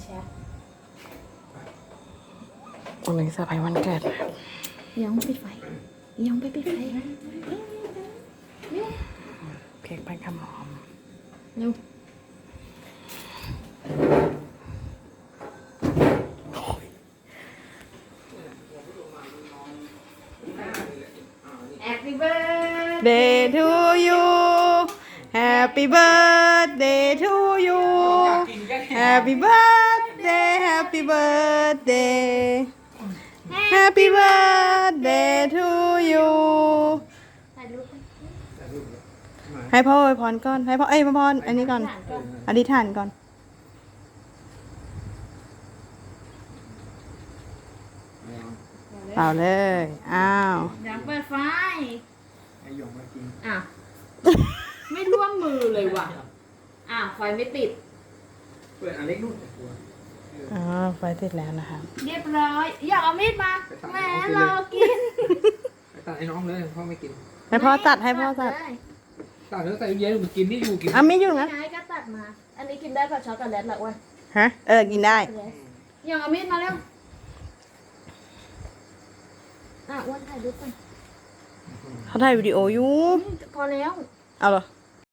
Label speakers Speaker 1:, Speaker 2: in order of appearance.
Speaker 1: วันนี้เซอร์ไพรส์วันเกิดนะ
Speaker 2: ยังปิดไฟยังไปปิดไฟเร็ว
Speaker 1: เค้กพันขมอม
Speaker 2: เร็ว Happy birthday
Speaker 1: Day to you Happy birthday to you Happy birthday Happy birthday Happy birthday to you
Speaker 2: ถ่ายรูป
Speaker 1: ให้พ่ออวยพรก่อนให้พ่อพ่ออันนี้ก่อนอธิษฐานก่อนเปล่าเลยอ้าว
Speaker 2: อยากเปิดไฟ
Speaker 3: ไอ้หยองมากิน
Speaker 2: อ่ะ ไม่ร่วมมือเลยว่ะไฟไม่ติด
Speaker 3: เปิดอันเล็กนู่นแต่ตัว
Speaker 1: อ๋อไฟติดแล้วนะคะ
Speaker 2: เรียบร้อย อยากเอามีดมาแหมรอกิน
Speaker 3: ไปตัดให้น้องเลยพ่อไม่กิน
Speaker 1: ให้พ่อตัดให้พ่อตัด
Speaker 2: เลย
Speaker 3: ตัดแล้วใส่เย็นมันกินนี่อยู่กิน
Speaker 1: อ่ะไม่อยู่นะ
Speaker 2: ไงก็ตัดมา อันนี้กินได้กับช็อกโกแลตเหรออ้วน
Speaker 1: ฮะกินได้
Speaker 2: อยากเอามีดมาเร็วอ้วนถ่ายรูปก่อน
Speaker 1: เขาถ่ายวิดีโออยู่
Speaker 2: พอแล้ว
Speaker 1: เอาเหรอ